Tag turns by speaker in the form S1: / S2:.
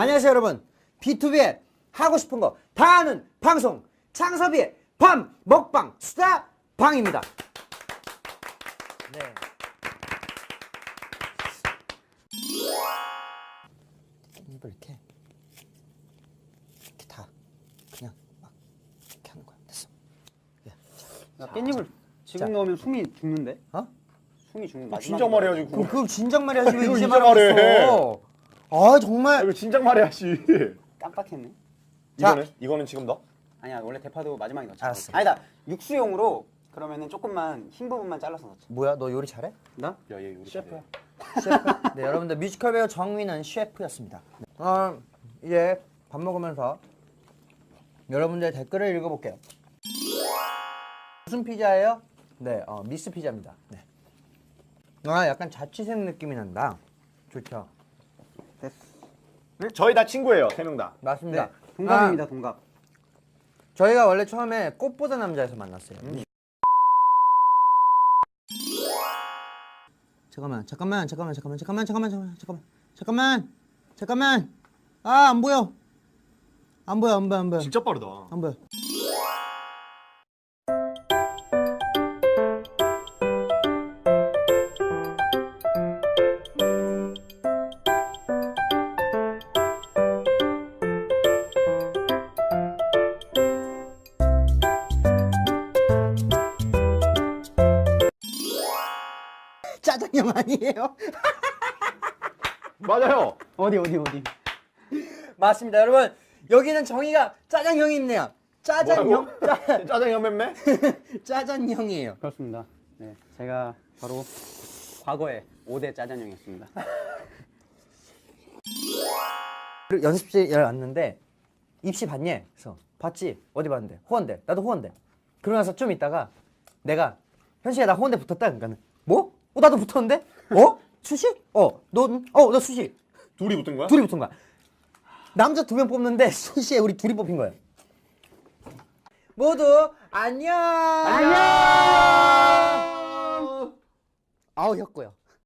S1: 안녕하세요 여러분. B2B의 하고 싶은 거 다 하는 방송 창섭이의 밤 먹방 수다 방입니다. 네. 깻잎을 이렇게 다 그냥 막 이렇게 하는 거야. 됐어.
S2: 야, 깻잎을 지금
S1: 자.
S2: 넣으면 숨이 죽는데?
S1: 어?
S2: 숨이 죽는 마지막.
S3: 진작 말해야지.
S1: 그럼 진작 말해야지 왜
S3: 이거
S1: 이제
S3: 이제 말해.
S1: 말했어? 아 정말.
S3: 이거 진작 말해야지.
S2: 깜빡했네.
S1: 자.
S3: 이거는 지금 넣어?
S2: 아니야, 원래 대파도 마지막에 넣자.
S1: 알았어.
S2: 아니다, 육수용으로 그러면은 조금만 흰 부분만 잘라서 넣자.
S1: 뭐야 너 요리 잘해?
S2: 나?
S3: 야, 얘 우리
S2: 셰프야.
S1: 셰프. 네 여러분들 뮤지컬 배우 정민은 셰프였습니다. 이제 밥 먹으면서 여러분들 댓글을 읽어볼게요. 무슨 피자예요? 네, 미스 피자입니다. 네. 아 약간 자취생 느낌이 난다. 좋죠.
S2: 됐어.
S3: 저희 다 친구예요. 3명 다.
S1: 맞습니다.
S2: 네, 동갑입니다, 동갑.
S1: 저희가 원래 처음에 꽃보다 남자에서 만났어요. 잠깐만. 아, 안 보여. 안 보여.
S3: 진짜 빠르다.
S1: 안 보여. 짜장면 아니에요?
S3: 맞아요.
S2: 어디.
S1: 맞습니다, 여러분. 여기는 정의가 짜장형이 있네요. 짜장형?
S3: 짜장면 맴매?
S1: 짜장형이에요.
S2: 그렇습니다. 네, 제가 바로 과거에 5대 짜장형이었습니다.
S1: 그리고 연습실에 왔는데 입시 봤니? 그래서 봤지? 어디 봤는데? 호원대. 나도 호원대. 그러고 나서 좀 있다가 내가 현식야 나 호원대 붙었다. 그러니까는 뭐? 나도 붙었는데? 수시? 너 수시.
S3: 둘이 붙은 거야?
S1: 둘이 붙은 거야. 남자 2명 뽑는데 수시에 우리 둘이 뽑힌 거예요. 모두 안녕. 아우 혔고요.